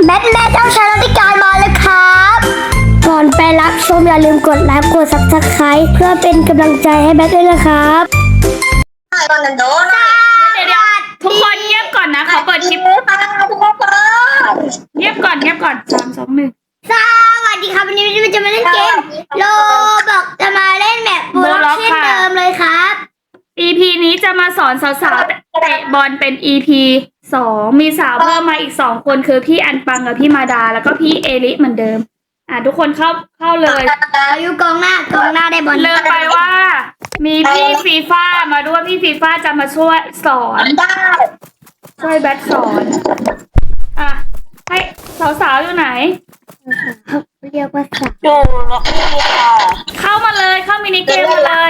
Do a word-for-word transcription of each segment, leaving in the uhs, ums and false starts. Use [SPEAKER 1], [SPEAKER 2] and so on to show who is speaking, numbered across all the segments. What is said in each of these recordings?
[SPEAKER 1] แบทแม่เจ้าชายรัติการมาแล้วครับก่อนไปรับชมอย่าลืมกดไลค์กดซับสไครต์เพื่อเป็นกำลังใจให้แบทด้วยนะครับ
[SPEAKER 2] ตอนนั้นโดน
[SPEAKER 3] เดี๋ยวเดี๋ยวทุกคนเงียบก่อนนะเขาเปิดคลิป
[SPEAKER 2] ทุกคน
[SPEAKER 3] เงียบก่อนเงียบก่อนสามสองหนึ่ง
[SPEAKER 1] สวัสดีครับวันนี้เราจะมาเล่นเกมโลบอกจะมาเล่นแบบโบล็อกเช่นเดิมเลยครับ
[SPEAKER 3] อี พี นี้จะมาสอนสาวๆเตะบอลเป็น อี พี สองมีสาวเพิ่มมาอีกสองคนคือพี่อันปังกับพี่มาดาแล้วก็พี่เอลิเหมือนเดิมอ่ะทุกคนเข้าเข้าเลย
[SPEAKER 1] อายุกองหน้ากองหน้าได้บอล
[SPEAKER 3] เลือกไปว่ามีพี่ฟีฟ่ามาด้วยพี่ฟีฟ่าจะมาช่วยสอนช่วยแบทสอนอ่ะให้สาวๆอยู่ไหน
[SPEAKER 1] เรียกว่าสาว
[SPEAKER 2] อยู่ล็อกนี่ค่ะ
[SPEAKER 3] เข้ามาเลยเข้ามินิเกมมาเลย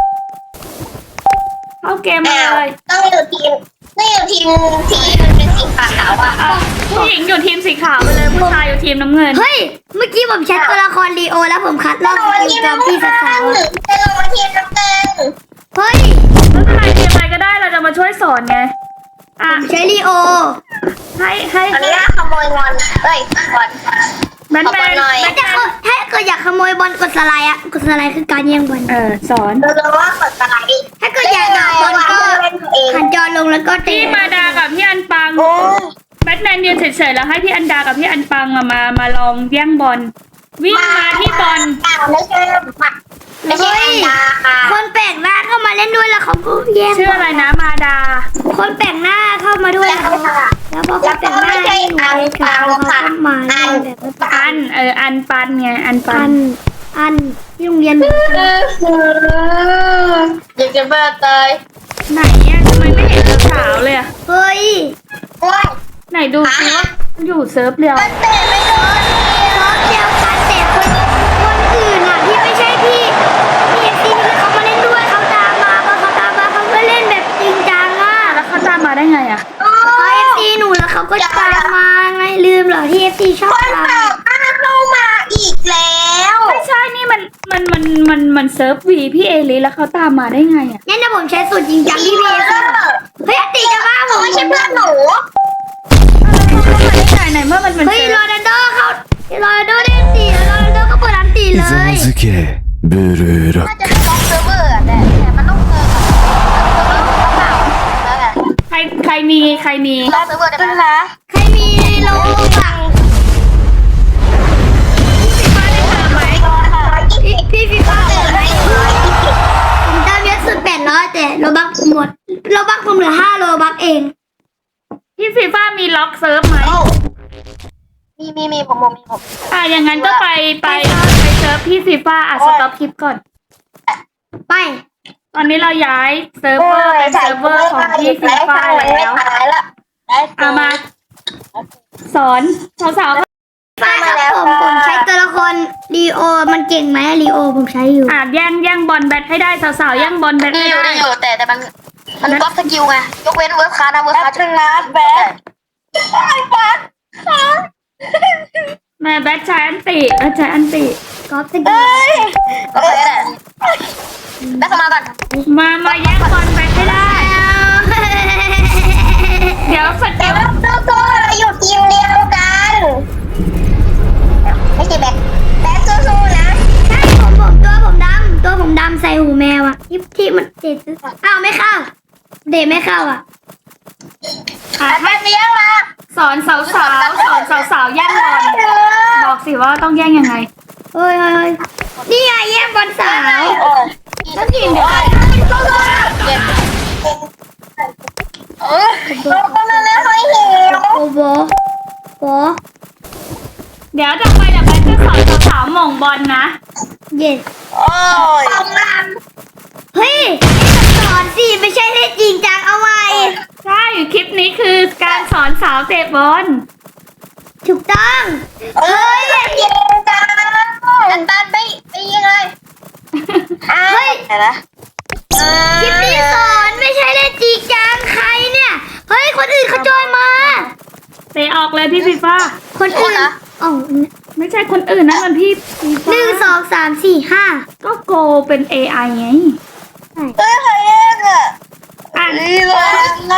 [SPEAKER 3] เข้าเกมมาเลย
[SPEAKER 2] ต้องอยู่ทีมต้องอยู่ทีมที่มันเป็นสีขาวอ่ะ
[SPEAKER 3] ผู้หญิงอยู่ทีมสีขาวไปเลยผู้ชายอยู่ทีมน้ำเงิน
[SPEAKER 1] เฮ้ยเมื่อกี้ผมแชทตัวละครลีโอแล้วผมคัดรอบทีมจอมพี่สาว
[SPEAKER 2] จะลงมาทีมน้ำเงิน
[SPEAKER 1] เฮ้ย
[SPEAKER 3] ไม่เป็นไรทีมอะไรก็ได้เราจะมาช่วยสอนไง
[SPEAKER 1] อ่ะใช้ลีโอ
[SPEAKER 3] ให้ให้
[SPEAKER 2] อันนี้ขโมยงอนเอ้ยบอล
[SPEAKER 3] แบนแบน
[SPEAKER 1] มันจะถ้าเกิดอยากขโมยบอลกดสไลด์อะกดสไลด์คือการแย่งบอล
[SPEAKER 3] เออสอน
[SPEAKER 2] เราจะว่ากดสไลด์
[SPEAKER 1] ถ้าเกิดอยากบอลก็หันจอลงแล้วก็
[SPEAKER 3] พี่มาดากับพี่อันปังแบทแมนยืนเฉยๆแล้วให้พี่อันดากับพี่อันปังมามาลองแย่งบอลวิ่งมาที่บอล
[SPEAKER 2] ไม่ใช่ไม่ใช่อันดา
[SPEAKER 1] คนแปลกหน้าเข้ามาเล่นด้วยแล้วเขาก็แย่ง
[SPEAKER 3] ชื่ออะไรนะมาดา
[SPEAKER 1] คนแปลกหน้าเข้ามาด้วยแล้วแล้วพอคนแปลกหน้าให้หนูไปกับเขาเขาก็มาแบบ
[SPEAKER 3] อันเอออันปันไงอันปัน
[SPEAKER 1] อันที่โรงเรียน
[SPEAKER 2] อยากจะบ้าตาย
[SPEAKER 3] ไหนเนี่ยทำไมไม่เห็นสาวเลยอ่ะ
[SPEAKER 1] เฮ้ย
[SPEAKER 3] ไหนดูซิว่าอยู่เซิร์ฟเดียว
[SPEAKER 2] เตะไม่โดน
[SPEAKER 1] เซิร์ฟเดียวกันแต่คนคนอื่นอ่ะที่ไม่ใช่พี่พี่เอฟซีนี่เขามาเล่นด้วยเขาตามมาพอเขาตามมาเขาก็เล่นแบบจริงจังอ่ะ
[SPEAKER 3] แล้วเขาตามมาได้ไงอ่ะ
[SPEAKER 1] เขาเอฟซีหนูแล้วเขาก็ตามมาไงลืมเหรอที่เอฟซีชอบตาม
[SPEAKER 2] เข้ามาอีกแล้ว
[SPEAKER 3] ไม่ใช่นี่มันมันมันมันมันเซิร์ฟวีพี่เอลิแล้วเขาตามมาได้ไงอ่ะ
[SPEAKER 1] งั้นนะผมใช้สูตรจริงจังที่พี่เอซีเฮ้ยตีจะบ้าผม
[SPEAKER 2] ไม่ใช่เพื่อนหนู
[SPEAKER 3] ไหนไหนเมื่อมันเป็น
[SPEAKER 1] เฮ้ยโรนัลโดเขาโรนัลโดได้ตีแล้วโรนัลโดก็เปิดอันตีเลย
[SPEAKER 2] บลูร็อกน่าจะเป็นล็อกเซิร์ฟเวอร์แต่แต่มันต้องเจอกับเซิร์ฟเวอร์แล้วไง
[SPEAKER 3] ใครใครมีใครมี
[SPEAKER 2] ล็อกเซิร์ฟเวอร์ได้ไหม
[SPEAKER 1] ใครมีโลบักพี่ฟีฟ่าเปิดไหมผมตามเยอะสุดแปดร้อยแต่โลบักหมดโลบักผมเหลือห้าโลบักเอง
[SPEAKER 3] พี่ฟีฟ่ามีล็อกเซิร์ฟไหม
[SPEAKER 2] มีมีมีผมผมมีผม
[SPEAKER 3] อ่ะอย่างงั้นก็ไปไปไปเซิร์ฟพี่ฟีฟ่าอ่ะสต็อปคลิปก่อน
[SPEAKER 1] ไป
[SPEAKER 3] ตอนนี้เราย้ายเซิร์ฟเวอร์เป็นเซิร์ฟเวอร์ของพี่ฟีฟ่าแล้วเอามาสอนสาว
[SPEAKER 1] ๆฟ้าครับผมผมใช้ตัวละครลีโอมันเก่งไหมลีโอผมใช้อยู่
[SPEAKER 3] อ่ะแย่งแย่งบอลแบทให้ได้สาวๆแย่งบอลแบทให้ได้
[SPEAKER 2] ได้อยู่แต่แต่มันมันก๊อปสกิลไงยกเว้นเวิร์คคาร์นะเวิร์คคาร์ชนะแบทไอ้แบท
[SPEAKER 3] แม่แบทใช้อันติแบทใช้อันติ
[SPEAKER 1] ก๊อปสกิล
[SPEAKER 2] โอเคแหละแบทเข้ามาก่อน
[SPEAKER 3] มามาแย่งบอลแบทให้ได้เดี๋ยวสกิล
[SPEAKER 2] โซ่เราอยู่ทีมเดียวกันไม่ใช่แบทแบทสู้ๆนะ
[SPEAKER 1] ใช่ผมผมตัวผมดำตัวผมดำใส่หูแมวอ่ะที่ที่มันเด็ดอ้าวไม่เข้าเด็ดไม่เข้าอ่ะ
[SPEAKER 2] อ่ะให้เลี้ยงมา
[SPEAKER 3] สอนสาวสาวสอนสาวสาวแย่งบอลบอกสิว่าต้องแย่งยังไง
[SPEAKER 1] เฮ้ยเฮ้ยนี่ไงแย่งบอลสาว
[SPEAKER 2] แล้วทีมเดียวเออก็มาแล้วให้เห็น
[SPEAKER 1] โอ้โหโอ้
[SPEAKER 3] เดี๋ยวจะไปเดี๋ยวไปจะสอนสาวๆหม่งบอลนะ
[SPEAKER 1] เย็น
[SPEAKER 2] โอ้ย
[SPEAKER 1] เฮ้ยสอนสิไม่ใช่เล่นจริงจังเอาไว้
[SPEAKER 3] ใช่คลิปนี้คือการสอนสาวเตะบอล
[SPEAKER 1] ถูกต้อง
[SPEAKER 2] เฮ้ยเย็นจังอันตันไปไปยังไง
[SPEAKER 1] เฮ้ย
[SPEAKER 2] นะ
[SPEAKER 1] คลิปนี้สอนไม่ใช่เล่นจริงจังใครเนี่ยเฮ้ยคนอื่นเขาจอยมา
[SPEAKER 3] เตะออกเลยพี่ฟีฟ่า
[SPEAKER 1] คนอื่นอ๋อ
[SPEAKER 3] ไม่ใช่คนอื่นนะมันพี่
[SPEAKER 1] หนึ่งสองสามสี่ห้า
[SPEAKER 3] ก็โกเป็น เอ ไอ ไง
[SPEAKER 2] เฮ้ยใครเองอ่ะ
[SPEAKER 3] อ่ะ
[SPEAKER 2] นี่เลยอ่ะ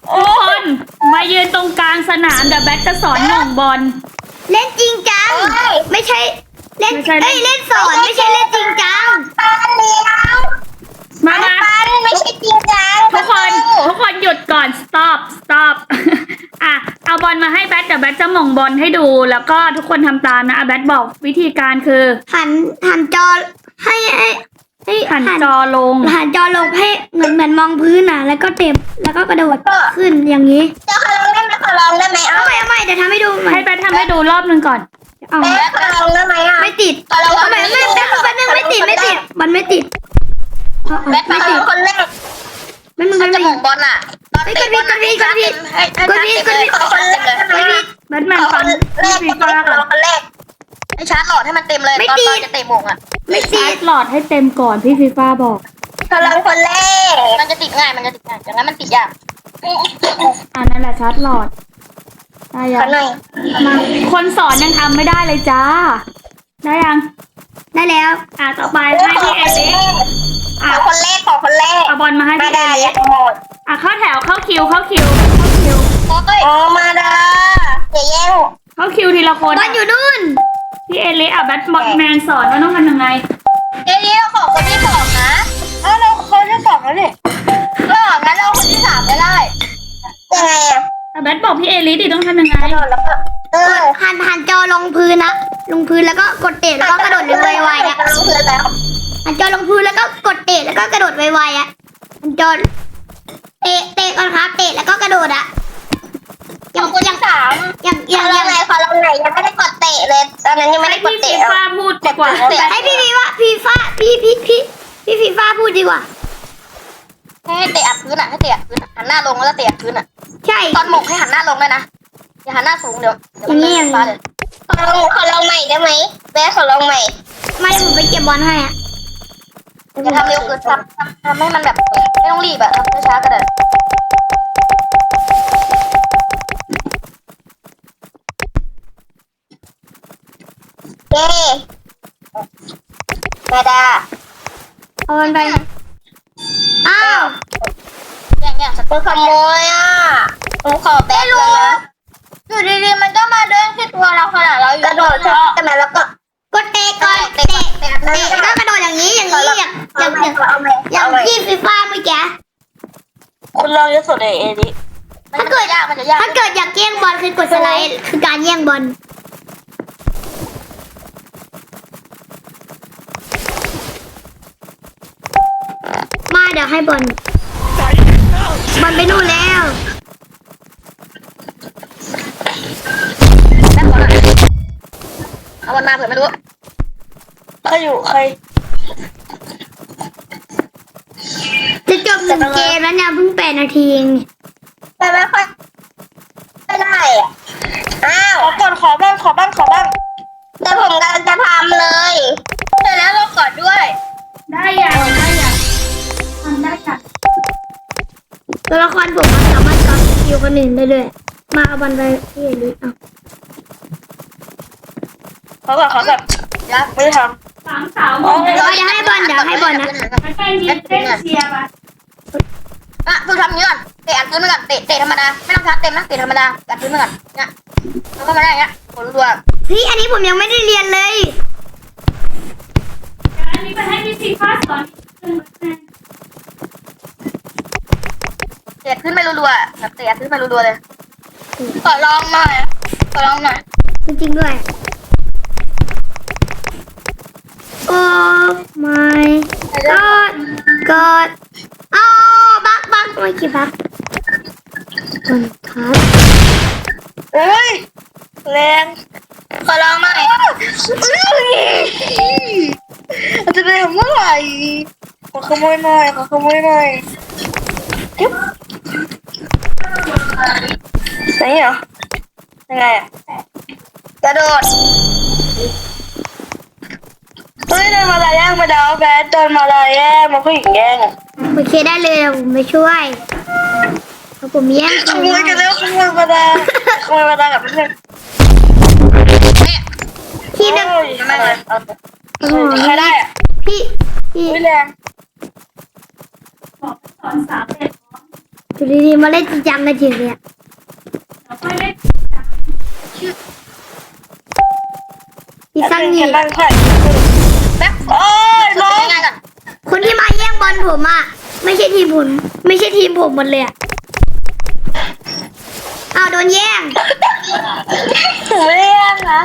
[SPEAKER 3] ทุกคนมายืนตรงกลางสนามเดี๋ยวแบทจะสอนหม่งบอล
[SPEAKER 1] เล่นจริงจังไม่ใช่เล่น
[SPEAKER 3] ไม่ใช่
[SPEAKER 1] เอ้ยเล่นสอนไม่ใช่เล่นจริงจัง
[SPEAKER 2] ปันเลี้ยว
[SPEAKER 3] มามา
[SPEAKER 2] ปันไม่ใช่จริงจัง
[SPEAKER 3] ทุกคนทุกคนหยุดก่อน stop stop อ่ะเอาบอลมาให้แบทเดี๋ยวแบทจะหม่งบอลให้ดู แล้วก็ทุกคนทำตามนะอ่ะแบทบอกวิธีการคือ
[SPEAKER 1] หันหันจอให้ให้ให้
[SPEAKER 3] หันจอลง
[SPEAKER 1] หันจอลงให้เหมือนเหมือนมองพื้นน่ะ แล้วก็เต็บแล้วก็กระโดดขึ้นอย่างนี้
[SPEAKER 2] จะขอลองได้ไหมขอลองได้ไหม
[SPEAKER 1] เอา
[SPEAKER 2] เอา
[SPEAKER 1] ใหม่เอาใหม่เดี๋ยวทำให้ดูใหม่
[SPEAKER 3] ให้แบททำให้ดูรอบหนึ่งก่อน
[SPEAKER 1] เอา
[SPEAKER 2] แม่ขอลองได้ไหมอ่ะ
[SPEAKER 1] ไม่ติด
[SPEAKER 2] ขอลอง
[SPEAKER 1] เอาใหม่ไม่ไม่ไม่ไม่ไม่ไม่ติดไม่ติดมันไม่ติดเอา
[SPEAKER 2] แม่
[SPEAKER 1] เอา
[SPEAKER 2] ขอ
[SPEAKER 1] ไม่
[SPEAKER 2] ล
[SPEAKER 1] ติ
[SPEAKER 2] อ
[SPEAKER 1] ด
[SPEAKER 2] งคนแรก
[SPEAKER 1] ไม่มึง
[SPEAKER 2] มั
[SPEAKER 1] ไม่
[SPEAKER 2] นจะ
[SPEAKER 1] ไม่
[SPEAKER 2] หม่งบอลอ่ะตอนเตะบอลอ่ะให้ชัดเต็มให้ชัดเต็มเลยขอคนแรกได้ไหม
[SPEAKER 3] แบทแมน
[SPEAKER 2] ขอ
[SPEAKER 3] ฟั
[SPEAKER 2] ค
[SPEAKER 3] ง
[SPEAKER 2] นแรก
[SPEAKER 3] พี่
[SPEAKER 2] คน
[SPEAKER 3] ฟ้า
[SPEAKER 2] แรก
[SPEAKER 3] ก่อน
[SPEAKER 2] คนแรกให้ชาร์จหลอดให้มันเต็มเลยตอนตอนจะเตะหม่งอ่ะ
[SPEAKER 1] ไม่ติ
[SPEAKER 3] ชา
[SPEAKER 1] ด
[SPEAKER 3] ร์จหลอดให้เต็มก่อนพี่ฟีฟ้าบอก
[SPEAKER 2] ขอลองคนแรกมันจะติดง่ายมันจะติดง่ายอย่างนั้นมันติดยาก
[SPEAKER 3] อ่านั่นแหละชาร์จหลอดได้ยั
[SPEAKER 2] ของ หน่อย
[SPEAKER 3] มาคนสอนยังทำไม่ได้เลยจ้า ได้ยัง
[SPEAKER 1] ได้แล้ว
[SPEAKER 3] อ่ะต่อไปให้พี่เอลิ
[SPEAKER 2] ข
[SPEAKER 3] อ่ะ
[SPEAKER 2] อคนแรกขอคนแรก
[SPEAKER 3] เอาบอลมาให้
[SPEAKER 2] มา
[SPEAKER 3] พี่เอ
[SPEAKER 2] ดา
[SPEAKER 3] ลิ
[SPEAKER 2] หมด
[SPEAKER 3] อ่ะเข้าแถวเข้าคิวเข้าคิวเข้าคิว
[SPEAKER 2] โอ้ยอ๋อมาดาอย่าแย่ง
[SPEAKER 3] เข้าคิวทีละคน
[SPEAKER 1] บอลอยู่นู่น
[SPEAKER 3] พี่เอลิอ่ะแบทแมนสอนว่าต้องทำยังไง
[SPEAKER 2] เดี๋ยวนี้เราขอคนที่สองนะเออเราคนที่สองแล้วนี่ก็งั้นเราคนที่สามก็ได้ยังไงอ่ะ
[SPEAKER 3] แต่แบทบอกพี่เอลิดิต้องทำยังไง
[SPEAKER 2] กระโดดแล้วก็เออ
[SPEAKER 1] หันหันจอลงพื้นนะลงพื้นแล้วก็กดเตะแล้วก็กระโดดไวๆอ่ะ
[SPEAKER 2] กระโดดเพื่อนแล้ว
[SPEAKER 1] หันจอลงพื้นแล้วก็กดเตะแล้วก็กระโดดไวๆอ่ะหันจอเตะเตะก่อนครับเตะแล้วก็กระโดดอ่ะ
[SPEAKER 2] ขอคนที่สาม
[SPEAKER 1] อย่างอ
[SPEAKER 2] ยั
[SPEAKER 1] ย่าง ง
[SPEAKER 2] ยั
[SPEAKER 1] อย่าง ง
[SPEAKER 2] ไงขอลองไหนยังไม่ได้กดเตะเลยตอนนั้นยังไม่
[SPEAKER 3] ให้
[SPEAKER 2] ได้กด
[SPEAKER 3] พี่ฟี
[SPEAKER 2] เตะ
[SPEAKER 3] ฟ้าพูดดีกว่า
[SPEAKER 1] ให้พี่ฟีว่าพี่ฟ้าพี่พี่พี่พี่ฟีฟ้าพูดดีกว่า
[SPEAKER 2] ให้เตะอัดพื้นอ่ะให้เตะอัดพื้นหันหน้าลงแล้วเตะอัดพื้นอ่ะ
[SPEAKER 1] ใช่
[SPEAKER 2] ตอนหมกให้หันหน้าลงเลยนะอย่าหันหน้าสูงเดี๋ยวเดี๋ยวมัน
[SPEAKER 1] อย่างนี้อย่างนี้
[SPEAKER 2] ฟ้าเลยขอลองขอลองใหม่ได้ไหมแม่ขอลองใหม่
[SPEAKER 1] ไม่ผมไปเก็บบอลให้อ่ะ
[SPEAKER 2] อย่าทำเร็วเกินทำทำทำให้มันแบบไม่ต้องรีบอะทำช้าๆก็ได้เย้มาดา
[SPEAKER 1] เอาบอลไปอ้าว
[SPEAKER 2] แย่งแย่งสเปอร์ขโมยอ่ะผมขอแบนเลยนะอยู่ดีๆมันก็มาเดินที่ตัวเราขนาดเราอยู่กระโดดใช่ไหมแล้วก็
[SPEAKER 1] กดเตะก่อนเตะ
[SPEAKER 2] เตะ
[SPEAKER 1] เตะแล้วก็กระโดดอย่างนี้อย่างนี้อย่างอย่างอย่าง
[SPEAKER 2] เอาไหม
[SPEAKER 1] อย่างพี่ฟีฟ้าเมื่อกี้
[SPEAKER 2] คุณลองยกสุดเลยเอดิถ้าเกิดยากมันจะยาก
[SPEAKER 1] ถ้าเกิดอยากแย่งบอลคือกดสไลด์คือการแย่งบอลมาเดี๋ยวให้บอลบอลไปนู่นแล้ว
[SPEAKER 2] แม่ขอหน่อยเอาวันมาเผื่อไม่รู้ใครอยู่ใคร
[SPEAKER 1] จะจบหนึ่งเกมแล้วเนี่ยเพิ่งแปดนาทีเอง
[SPEAKER 2] แต่ไม่ค่อยไม่ได้อะอ้าวขอก่อนขอบ้างขอบ้างขอบ้างแต่ผมกำลังจะทำเลยเสร็จแล้วเราขอด้วย
[SPEAKER 3] ได้ยังได้ยังทำได้ยัง
[SPEAKER 1] ตัวละครผมมันสามารถกับอยู่คนอื่นได้ด้วยมาเอาบอลไปที่เอลิเอา
[SPEAKER 2] ขอก่อนขอแบบยักไม่ทำ
[SPEAKER 3] สามสาวหมด
[SPEAKER 1] เดี๋ยวเดี๋ยวให้บอลเดี๋ยวให้บอลนะ
[SPEAKER 3] แล้วก็ยืนเต้นเชียร์มา
[SPEAKER 2] อ่ะดูทำนี้ก่อนเตะอัดพื้นไปก่อนเตะเตะธรรมดาไม่ต้องชาร์จเต็มนะเตะธรรมดาอัดพื้นไปก่อนเนี่ยแล้วก็มาได้อย่างเงี้ยผลรัว
[SPEAKER 1] พี่อันนี้ผมยังไม่ได้เรียนเลย
[SPEAKER 3] อันนี้ไปให้พี่ฟีฟ้าสอน
[SPEAKER 2] เตะพื้นไปรัวๆแบบเตะพื้นไปรัวๆเลยขอลองหน่อยขอลองหน่อย
[SPEAKER 1] จริงๆด้วยโอ้ my god god อ้าวบักบักไม่กี่บักบอลครับ
[SPEAKER 2] เฮ้ยแรงขอลองหน่อยจะได้เมื่อไหร่ขอขโมยหน่อยขอขโมยหน่อยจิ๊บไหนเหรอยังไงอะกระโดดเฮ้ยโดนมาลายแย่งมาดาวแบดโดนมาลายแย่งมาผู้หญิงแย่ง
[SPEAKER 1] โอเคได้เลยเดี๋ยวผมไปช่วยเพราะผมแย่ง
[SPEAKER 2] ขโมยกันแล้วขโมยมาดาขโมยมาดากับเพื่อนเนี่ย
[SPEAKER 1] พี่นึก
[SPEAKER 2] ไม่เลยเอา
[SPEAKER 1] โอ้โห
[SPEAKER 2] ใครได้อะ
[SPEAKER 1] พี่พี่
[SPEAKER 2] อุ้ยแรง
[SPEAKER 3] บอกสอนสาวเด็ก
[SPEAKER 1] อยู่ดีๆมาเล่นจริงจังกันจริงเนี่ย
[SPEAKER 3] เราค่อยเล่น
[SPEAKER 1] พี่ซังนี่
[SPEAKER 2] บ้านใครแป๊บโอ้ยน้อง
[SPEAKER 1] คนที่มาแย่งบอลผมอ่ะไม่ใช่ทีมผมไม่ใช่ทีมผมหมดเลยอ่ะอ้าวโดนแย่ง
[SPEAKER 2] ถึงไม่เรียกนะ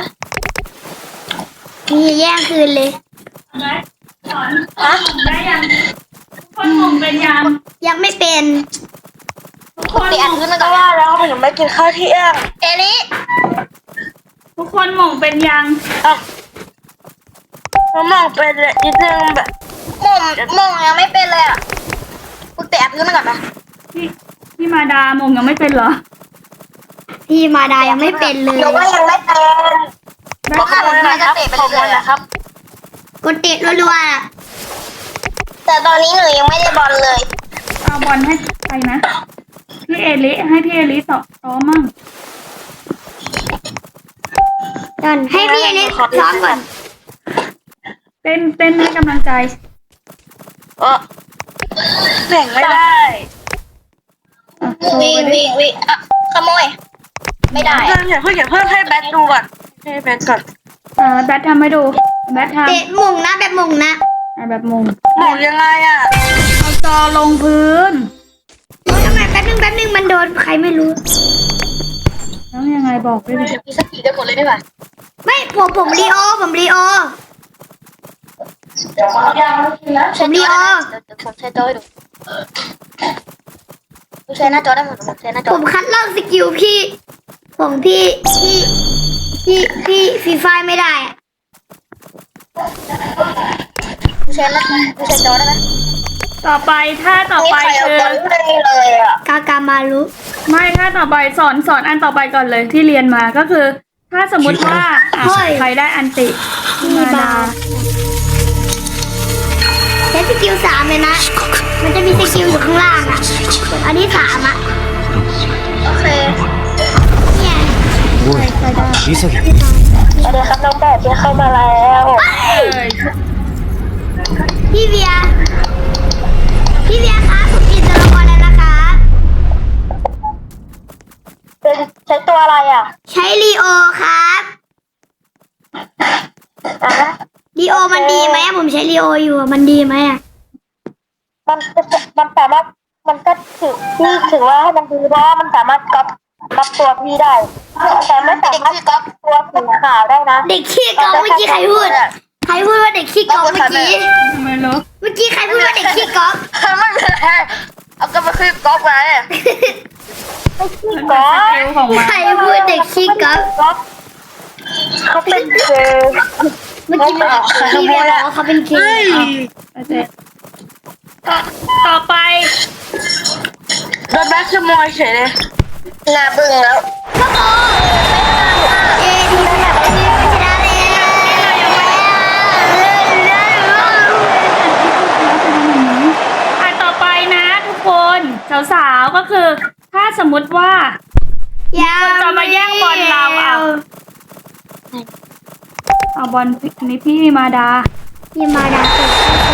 [SPEAKER 1] นี่แย่งคืนเลย
[SPEAKER 3] ไหมสอนหมุนได้ยังทุกคนหมุนเป็นยัง
[SPEAKER 1] ยังไม่เป็น
[SPEAKER 3] ทุกคน
[SPEAKER 2] เปลี่ยน
[SPEAKER 3] หมุ
[SPEAKER 2] ขึ้น
[SPEAKER 3] น
[SPEAKER 2] มาก็ว่าแล้วผมยังไม่กินข้าวเที่ยงเอลิ
[SPEAKER 3] ทุกคนหมุนเป็นยัง
[SPEAKER 2] อ่ะมองเป็นเลยนิดนึงแบบมองมองยังไม่เป็นเลยอ่ะกูแตะพื้นมาก่อนนะ
[SPEAKER 3] พี่พี่มาดาหมุนยังไม่เป็นเหรอ
[SPEAKER 1] พี่มาดายังไม่เป็นเลย
[SPEAKER 2] หนูว่ายังไม่เป็น
[SPEAKER 3] ได้
[SPEAKER 2] ขอบคุณนะครับขอบคุณนะครับ
[SPEAKER 1] กดเตะรัวๆอะ
[SPEAKER 2] แต่ตอนนี้หนูยังไม่ได้บอลเลย
[SPEAKER 3] เอาบอลให้ใครนะพี่เอลิให้พี่เอลิต่อต่อมั่ง
[SPEAKER 1] ก่อนให้พี่เล็กซ้อมก่อน
[SPEAKER 3] เต้นเต้นให้กำลังใจ
[SPEAKER 2] เออแบ่งไม่ได้
[SPEAKER 3] อ่ะโชว์
[SPEAKER 2] วิ่ง
[SPEAKER 3] ไปดิ
[SPEAKER 2] วิ่งวิ่งอ่ะขโมย ไม่ได้เพื่อนเพื่อนอย่าเพิ่งให้แบทดูก่อนให้แบทก่อน
[SPEAKER 3] อ่าแบททำให้ดูแบททำ
[SPEAKER 1] เตะหมุงนะแบบหมุงนะ
[SPEAKER 3] อ่ะแบบมุม
[SPEAKER 2] หมองยังไงอ่ะ
[SPEAKER 3] เอาจอลงพื้น
[SPEAKER 1] โอ๊ยทำไมแป๊บนึงแป๊บนึงมันโดนใครไม่รู้
[SPEAKER 3] แล้วยังไงบอกด้วยดิ
[SPEAKER 2] มีสติกันหมดเลยได้ป่ะ
[SPEAKER 1] ไม่ผมผมรีโอผมรีโอ
[SPEAKER 2] ผมรีโอผมใช้จอให้ดูผมใช้หน้าจอได้หมดผมใช้หน้าจ
[SPEAKER 1] ผ
[SPEAKER 2] อ
[SPEAKER 1] มคัดลอกสกิลพี่ของพี่พี่พี่พี่ฟรีไฟไม่ได้อะ
[SPEAKER 2] ผมใช้หน้าผมใช้จอได้ไหม
[SPEAKER 3] ต่อไปถ้าต่อ
[SPEAKER 2] นี่
[SPEAKER 3] ไป
[SPEAKER 2] ใครเอา
[SPEAKER 3] คือบ
[SPEAKER 2] อลไม่ได้เลยอ่ะ
[SPEAKER 1] กากามารุ
[SPEAKER 3] ไม่ถ้าต่อไปสอนสอนอันต่อไปก่อนเลยที่เรียนมาก็คือ ถ้าสมมุติว่าอ่ะใครได้อันติพี่
[SPEAKER 1] มี
[SPEAKER 3] มา
[SPEAKER 1] บา
[SPEAKER 3] ดา
[SPEAKER 1] ใช้สกิลสามเลยนะ มันจะมีสกิลอยู่ข้างล่างอ่ะอันที่สามอ่ะ
[SPEAKER 2] โอเค
[SPEAKER 1] เนี่ย
[SPEAKER 4] おい潔
[SPEAKER 2] สวัสดีครับน้องแบทที่เข้ามาแล้ว
[SPEAKER 3] เอ้ย
[SPEAKER 1] พี่เวียพี่เวียครับผมกินตัวละครแล้วนะครับ
[SPEAKER 2] เป็นใช้ตัวอะไรอ่ะ
[SPEAKER 1] ใช้ลีโอครับ
[SPEAKER 2] อ่ะ
[SPEAKER 1] ลีโอมันดีไหมอะผมใช้ลีโออยู่อะมันดีไหมอ่ะ
[SPEAKER 2] มันมันสามารถมันก็ถือที่ถือว่าให้มันดีเพราะว่ามันสามารถก๊อปก๊อปตัวพี่ได้ แต่ไม่สามารถก๊อปตัวสีขาวได้นะ
[SPEAKER 1] เด็กขี้กองเมื่อกี้ใครพูดใครพูดว่าเด็กขี้กองเมื่อกี้
[SPEAKER 3] ทำไมเหรอ
[SPEAKER 1] เมื่อกี้ใครพูดว่าเด็กขี้กอง
[SPEAKER 2] ไม่เป็นไรเอาก็มาคือก๊อปไงไม่ขี้
[SPEAKER 3] มัน
[SPEAKER 2] ก๊
[SPEAKER 3] เป็
[SPEAKER 2] อน ป
[SPEAKER 3] สกิลของมัน
[SPEAKER 1] ใครพูดเด็กขี้กอง
[SPEAKER 2] ก๊อปเขาเป็นเกย์
[SPEAKER 1] เมื่อกี้พี่เวียบอกว่าเขาเป็นเค
[SPEAKER 3] โอเคต่อต่อไป
[SPEAKER 2] โดนแบ็คขโมยเฉยเลยหน้าบึ้งแล้ว
[SPEAKER 1] เย้ดีมากเลยชนะเลย
[SPEAKER 3] อ่ะต่อไปนะทุกคนสาวๆก็คือ ถ้าสมมุติว่า คนจะมาแย่งบอลเราเอา เอาบอลอันนี้พี่มาดา
[SPEAKER 1] พี่มาดาเปิด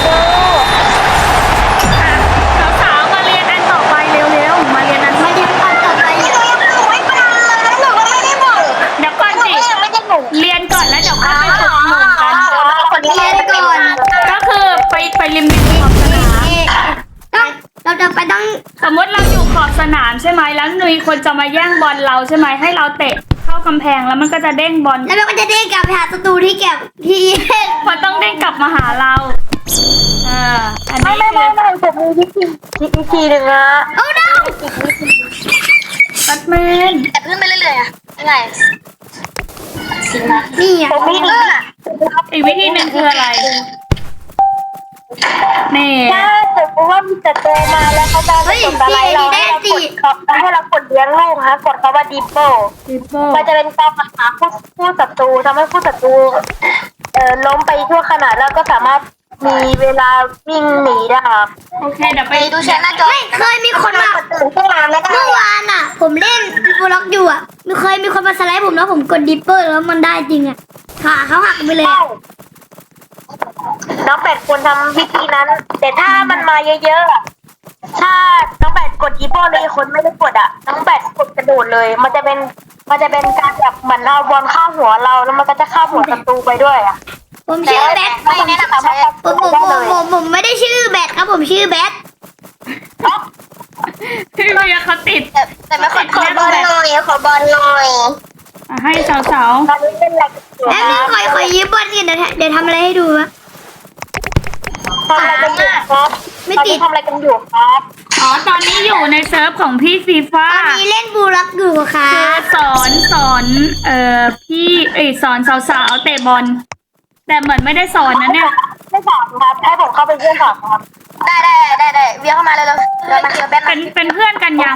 [SPEAKER 3] อ่ะสาวๆมาเรียนอันต่อไปเร็วๆมาเรียนอัน
[SPEAKER 1] มาเรียนอันต่อไป
[SPEAKER 2] หนูยังไม่ฟังเลยหนูก็ไม่ได้บอก
[SPEAKER 3] เดี๋ยวก่อน
[SPEAKER 2] หนู
[SPEAKER 3] สิ
[SPEAKER 2] ก็ยังไม่ได้บอก
[SPEAKER 3] เรียนก่อนแล้วเดี๋ยวค่อยไปฝึกหมู่กัน
[SPEAKER 2] คนที่เรียนก่อน
[SPEAKER 3] ก็คือไปไปริมริมขอบสนาม
[SPEAKER 1] ต้องเราจะไปต้อง
[SPEAKER 3] สมมติเราอยู่ขอบสนามใช่ไหมแล้วมีคนจะมาแย่งบอลเราใช่ไหมให้เราเตะเข้ากำแพงแล้วมันก็จะเด้งบอล
[SPEAKER 1] แล้วมันก็จะได้กลับไปหาศัตรูที่เก็บที่
[SPEAKER 3] มันต้องเด้งกลับมาหาเราเอออัน
[SPEAKER 2] ไม่
[SPEAKER 3] นี้
[SPEAKER 2] ไม่
[SPEAKER 3] คื
[SPEAKER 2] ไม่
[SPEAKER 3] อ
[SPEAKER 2] ไม่ผมมีวิธีวิธีหนึ่งนะ
[SPEAKER 1] โอ้ no
[SPEAKER 3] แบทแมน
[SPEAKER 2] แต่ขึ้นไปเรื่อยๆอะยังไง
[SPEAKER 1] นี่อ่ะ
[SPEAKER 2] ผมมีเรื่อง
[SPEAKER 3] อีกวิธีหนึ่งคืออะไรนี่
[SPEAKER 2] ถ้าสมมติว่ามีศัตรูมาแล้วเขาจะไม่สนอะไรเราให้เรากดเขาให้เรากดเลี้ยงลูกฮะกดเขาว่าดิปโป้
[SPEAKER 3] ดิปโบ
[SPEAKER 2] มันจะเป็นการหาผู้ผู้ศัตรูทำให้ผู้ศัตรูเอ่อล้มไปทั่วขนาดแล้วก็สามารถมีเวลาวิ่งหนีได้ครับ
[SPEAKER 3] โอเคเดี๋ยวไป
[SPEAKER 2] ดูแชร์หน้าจอ
[SPEAKER 1] ไม่เคยมีคนมา
[SPEAKER 2] ตื่นขึ้นมาไม่ได้
[SPEAKER 1] เมื่อวานอ่ะ ผมเล่นบล็อกอยู่อ่ะไม่เคยมีคนมาสไลด์ผมแล้วผมกดดิปเปอร์แล้วมันได้จริงอ่ะขาเขาหักไปเลยอะ
[SPEAKER 2] น้องเป็ดควรทำวิธีนั้น แต่ถ้ามันมาเยอะๆอะถ้าน้องแบทกดอีโบเลยคนไม่ได้กดอ่ะน้องแบทกดกระโดดเลย มันจะเป็นมันจะเป็นการแบบเหมือนเอาบอลข้ามหัวเราแล้วมันก็จะข้ามหัวศัตรูไปด้วยอ่ะ
[SPEAKER 1] ผมชื่อแบท
[SPEAKER 2] ไม่แนะนำใช้
[SPEAKER 1] ผมผมผมผมผมไม่ได้ชื่อแบทครับผมชื่อแบท
[SPEAKER 3] พี่เวียเขาติด
[SPEAKER 2] แต่แต่ไม่ขอขอบอลหน่อยขอบอลหน่อย
[SPEAKER 3] อ่ะให้สาว
[SPEAKER 2] ตอนนี้เป็นอะไรกันอยู่
[SPEAKER 1] แล้วนึงขอขอยืมบอลกันเดี๋ยวเดี๋ยวทำอะไรให้ดูวะ
[SPEAKER 2] ทำอะไรกันอยู่ครับ
[SPEAKER 1] ไม่
[SPEAKER 2] ตอน
[SPEAKER 1] ติ
[SPEAKER 2] นี้
[SPEAKER 1] ด
[SPEAKER 2] ทำอะไรกันอยู่ครับ
[SPEAKER 3] ๆอ๋อตอนนี้อยู่ในเซิร์ฟของพี่ฟีฟ่า
[SPEAKER 1] ตอนนี้เล่นบูล็อกอยู่ครั
[SPEAKER 3] คือบ สอนสอนเอ่อพี่เอยสอนสาวๆเตะบอลแต่เหมือนไม่ได้สอนนะเนี่ย
[SPEAKER 2] ไม่สอนครับให้ผมเข้าไปเพื่อนสอนครับได้ได้ได้ได้เวียเข้ามาเลยเลยเรามาเจอแบท
[SPEAKER 3] เป็นเป็นเพื่อนกันยัง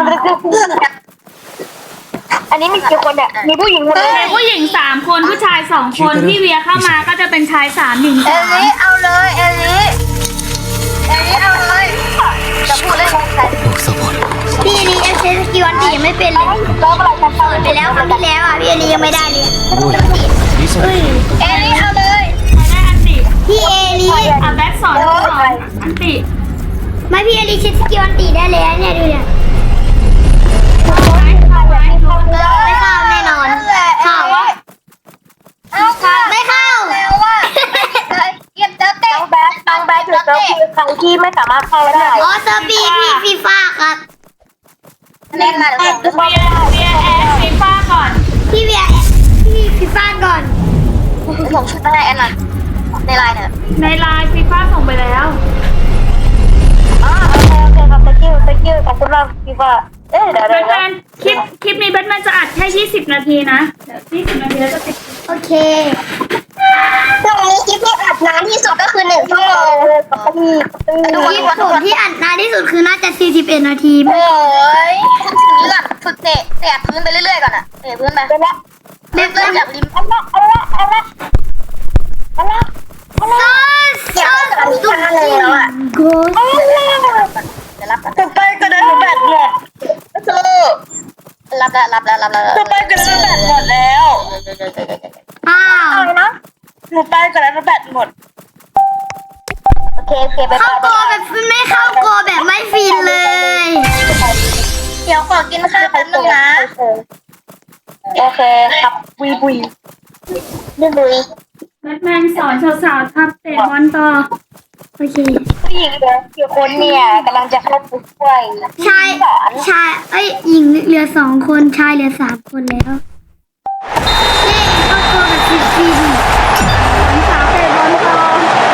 [SPEAKER 2] อันนี้มีกี่คนเนี่ยมีผู้หญิงคนนึง
[SPEAKER 3] เป็นผู้หญิงสามคนผู้ชายสองคนพี่เวียเข้ามาก็จะเป็นชายสามหญิง
[SPEAKER 2] เอ
[SPEAKER 3] สาม
[SPEAKER 2] ลิเอาเลยเอลิเอลิเอาเลยจะพูดเรื่องอะไร
[SPEAKER 1] พี่อลีเอฟเซสกิวันตียังไม่เป็นเลย
[SPEAKER 2] แล้วอะไรกันต่อ
[SPEAKER 1] ไปแล้วครั้งที่แล้วอ่ะพี่อลียังไม่ได้เลย
[SPEAKER 4] โอ้ยนี่ส
[SPEAKER 1] เฮ้ย
[SPEAKER 2] เอลิเอาเลย
[SPEAKER 3] ใครได้อันติ
[SPEAKER 1] พี่เอลี
[SPEAKER 3] อ่ะแบ็คสอนสอนอันติ
[SPEAKER 1] ไม่พี่อลีเซสกิวันตีได้เลยเนี่ยดูเนี่ย
[SPEAKER 3] ไม่เข้าไหม
[SPEAKER 1] ไม่เข้าแน่นอนเข้า
[SPEAKER 2] เอาค่ะ
[SPEAKER 1] ไม่เข้า
[SPEAKER 2] แล้วว่าเก็บเจอเตะน้องแบ๊น้องแบ๊ถือเจ้าคือใครที่ไม่สามารถเข้าได้
[SPEAKER 1] อ๋อเซอร์บีพี่ฟีฟ่าครับ
[SPEAKER 2] เล่นมาแล้ว
[SPEAKER 3] เวียเวียแอดฟีฟ่าก่อน
[SPEAKER 1] พี่เวียพี่ฟีฟ่าก่อน
[SPEAKER 2] ผมชุดอะไรแอนน่ะในไลน์เนี่ย
[SPEAKER 3] ในไลน์ฟีฟ่าส่งไปแล้ว
[SPEAKER 2] อ๋อโอเคโอเคครับ thank you thank you ขอบคุณมากพี่ว่าเอ๊ะเดี๋ยว
[SPEAKER 3] แบ
[SPEAKER 2] เดี๋ยว
[SPEAKER 3] ทแมนคลิปคลิปนี้แบทแมนจะอัดแค่ยี่สิบนาทีนะเดี๋ยวยี่สิบนาทีแล้วจะติด
[SPEAKER 1] โอเค
[SPEAKER 2] ตรงนี้คลิปที่อัดนานที่สุดก็คือหนึ่งชั่วโมงพี่
[SPEAKER 1] คลิปผมที่อัดนานที่สุดคือน่าจะสี่สิบเอ็ดนาที
[SPEAKER 2] โอ้ยทีนี้ก่อนฝึกเตะเตะพื้นไปเรื่อยๆก่อนอ่ะเตะพื้นไปเริ่ม
[SPEAKER 1] เด็ก
[SPEAKER 2] เริ่ม
[SPEAKER 1] เริ่ม
[SPEAKER 2] จากริมเอาละเอาละเอาละเอาละเอาละ
[SPEAKER 1] ซอสซอสตุ๊กแล้วอ่ะโกส
[SPEAKER 2] จะรับจะไปก็ได้แบตหมดสู้รับแล้วรับแล้วรับแล้วจะไปก็ได้แบตหมดแล้ว
[SPEAKER 1] อ้าว
[SPEAKER 2] นะหนูไปก็ได้แบตหมดโอเคโอเคไป
[SPEAKER 1] เข้าโกแบบไม่เข้าโกแบบไม่ฟินเลย
[SPEAKER 2] เดี๋ยวขอกินข้าวแป๊บนึงนะโอเคครับบุยบุยบุยบุย
[SPEAKER 3] แบทแมนสอนสาวๆทับเตะบอลต่อ
[SPEAKER 1] โอเค
[SPEAKER 2] ผู้หญิงเหลือกี่คนเนี่ยกำลังจะเข้าไปช่วย
[SPEAKER 1] ชายชายเอ้ยหญิงเหลือสองคนชายเหลือสามคนแล้วเย้เข้าโกแบบฟินฟิน
[SPEAKER 3] สาวเตะบอลต่อ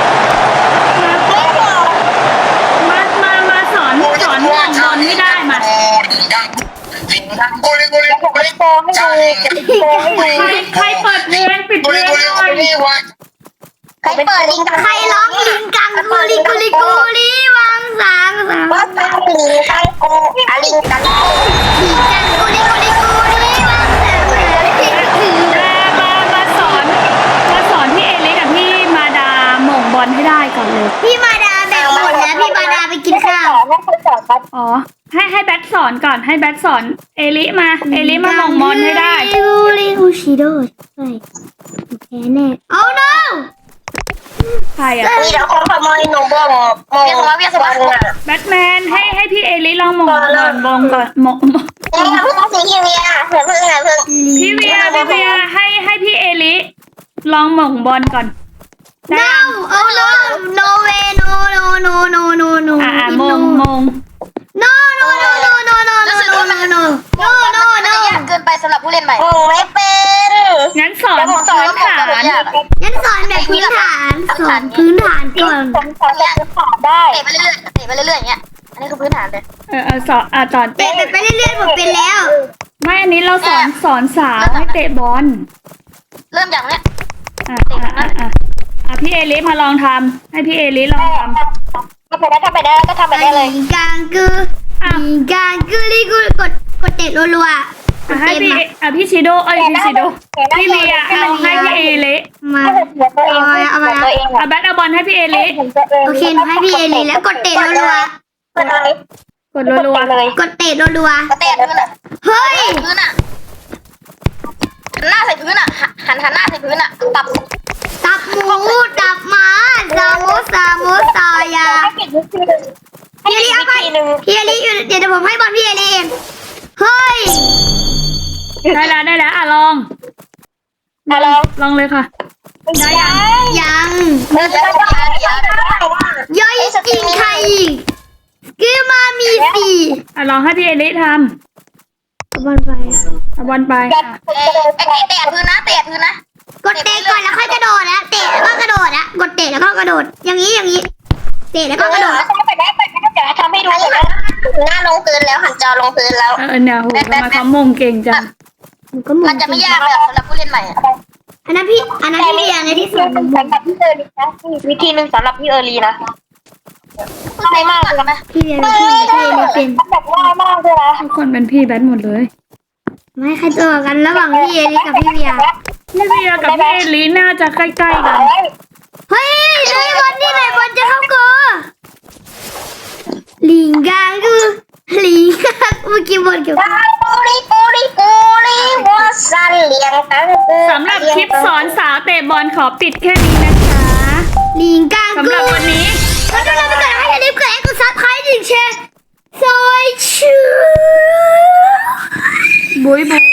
[SPEAKER 3] มา มา มาสอนสอนห่วงบอลไม่ได้มา
[SPEAKER 2] แล้วผมจะโกงให้ดูจะโกงให้
[SPEAKER 3] ใคร
[SPEAKER 2] ดู
[SPEAKER 3] ใครเปิดเพลงปิดเพลงหน่อย
[SPEAKER 2] ใครเปิดลิงกัง
[SPEAKER 1] ใครร้องลิงกังกูลิกูลิกูลิวังสางสาง
[SPEAKER 2] ว่าตาลิงกังโกอาลิงกัง
[SPEAKER 1] ลิงกังกูลิกูลิกูลิวังสางสาง
[SPEAKER 3] มา มาสอน มาสอนพี่เอลิกับพี่มาดาหม่งบอลให้ได้ก่อนเลย
[SPEAKER 1] พี่มาดาแบ่งหมดแล้วพี่มาดาไปกินข้าว
[SPEAKER 2] ไม่เคยสอนครับ
[SPEAKER 3] อ๋อ ให้ให้แบทสอนก่อน ให้แบทสอนเอลิมา เอลิมาหม่งบอลให้ได้
[SPEAKER 1] ลิกูลิกูชิโดใช่โอเคแน่ oh no
[SPEAKER 3] ใครอะ
[SPEAKER 2] มีแต่คนขโมยหนูบอกมองเวียนหัวเวียนหัวเนี่ย
[SPEAKER 3] แบทแมนให้ให้พี่เอลิลองหม่งก่อนบงก่อนหม่งหม่ง
[SPEAKER 2] นี่เพิ่งสีทีวีอ่ะเพิ่งเพิ่งไงเพิ่ง
[SPEAKER 3] พี่เวียพี่เวียให้ให้พี่เอลิลองหม่งบอลก่อนได้
[SPEAKER 1] no oh no no way no no no no no no
[SPEAKER 3] อ่าโมงโมง
[SPEAKER 1] no no no no no no no no no no no no no
[SPEAKER 2] ยากเกินไปสำหรับผู้เล่นใหม่โอ้ไม่เป็น
[SPEAKER 3] งั้นสอนพื้นฐาน
[SPEAKER 1] งั้นสอนแบบพื้นฐานสอนพื้นฐานก่อน
[SPEAKER 2] ผมสอนแบบพื้นฐานได้เตะไปเรื่อยๆเตะไปเรื่อยๆอย่างเงี้ยอันนี้คือพื้นฐานเลย
[SPEAKER 3] เออเออสอนอ่าสอน
[SPEAKER 1] เตะไปเรื่อยๆผมเป็นแล้ว
[SPEAKER 3] ไม่อันนี้เราสอนสอนสาวให้เตะบอล
[SPEAKER 2] เริ่มจากเนี้ย
[SPEAKER 3] อ่ะอ่ะอ่ะอ่ะอ่ะพี่เอลิมาลองทำให้พี่เอลิลองทำ
[SPEAKER 2] ทำไปได้ทำไปได้ก็ทำไปได้เลย
[SPEAKER 1] ลิงกังกูลิงกังกูลิกูกดกดเตะรัวๆ
[SPEAKER 3] อ่ะให้พี่อ่ะพี่ชิโดเอ้ยพี่ชิโดพี่เวียเอาให้พี่เอลิ
[SPEAKER 1] มา
[SPEAKER 2] ให้ผมตัวเองตัวเอง
[SPEAKER 3] อ่ะแบทเอาบอลให้พี่เอลิ
[SPEAKER 2] ผมตัวเอง
[SPEAKER 1] โอเคหนูให้พี่เอลีแล้วกดเตะรัว
[SPEAKER 2] เปิดเลย
[SPEAKER 3] กดรัว
[SPEAKER 2] เลย
[SPEAKER 1] ๆกดเตะรัว
[SPEAKER 2] เตะพื้นอ่ะ
[SPEAKER 1] ๆเฮ้ย
[SPEAKER 2] พื้นอ่ะหันหน้าใส่พื้นอ่ะหันหันหน้าใส่พื้นอ่ะตับ
[SPEAKER 1] ตับหมูตับหมาซามูซามูซายา
[SPEAKER 2] ให้ปิดมือให้
[SPEAKER 1] พี่เอลิเอาไป
[SPEAKER 2] วิธีหนึ่ง
[SPEAKER 1] พี่เอลิอยู่เดี๋ยวผมให้บอลพี่เอลิเองเฮ้ย
[SPEAKER 3] ได้แล้วได้แล้วอ่ะลอง
[SPEAKER 2] มาลอง
[SPEAKER 3] ลองเลยค่ะ ได้ยัง
[SPEAKER 1] ยัง
[SPEAKER 2] มันจะได้ยังได้
[SPEAKER 1] ย่อยจริงใครอีกคือมามีปี
[SPEAKER 3] อ่ะลองให้พี่เอลิท
[SPEAKER 1] บอลไป
[SPEAKER 3] ำเอาบอลไป
[SPEAKER 2] กั
[SPEAKER 3] อ่ะ
[SPEAKER 2] ดไอ้เตะพื้นนะเตะพื้นนะ
[SPEAKER 1] กดเตะก่อนแล้วค่อยกระโดดนะเตะแล้วก็กระโดดนะกดเตะแล้วก็กระโดด อย่างนี้อย่างนี้ เตะแล้วก็กระโดด
[SPEAKER 2] ไปได้ไปได้เดี๋ยวทำให้ดูนะหน้าลงพื้นแล้วหันจอลงพื้นแล้ว
[SPEAKER 3] เออเนี่ยโหทำไมเขามงเก่งจัง
[SPEAKER 1] มันก็หมุ
[SPEAKER 2] มัน
[SPEAKER 1] น
[SPEAKER 2] จะไม่ยากเลยสำหรับผู้เล่นใหม่อะ
[SPEAKER 1] อันนั้นพี่อันนั้นพี่เรียนในที่สอนผม
[SPEAKER 2] สำหรับพี่เออรีนะวิธีหนึ่งสำหรับพี่เออรีนะง่ายมากเลยนะ
[SPEAKER 1] พี่เรียนพี่พี่เรียนเป็น
[SPEAKER 2] แบบง่ายมากเลยนะ
[SPEAKER 3] ทุกคนเป็นพี่แบทหมดเลย
[SPEAKER 1] ไม่ใครตัวกันระหว่างพี่เอลิกับพี่เวีย
[SPEAKER 3] พี่เวียกับพี่เอลิน่าจะใกล้ๆกัน
[SPEAKER 1] เฮ้ยไอ้บอลนี่ไหนบอลจะเข้าโกลิงกังกูลิงกังเมื่อกี้บอลเกี่ยวกับ
[SPEAKER 2] ปูริปูริปูริวอสันเลียงตัง
[SPEAKER 3] สำหรับคลิปสอนสาวเตะบอลขอปิดแค่นี้นะคะ
[SPEAKER 1] ลิงกัง
[SPEAKER 3] สำ
[SPEAKER 1] กู
[SPEAKER 3] หรับวันนี้
[SPEAKER 1] ก็ต้องรับไปก่อนให้อย่าลืมกดไลค์กดซับสไครต์ถึงแชร์ซอยชื่อ
[SPEAKER 3] บุยบุย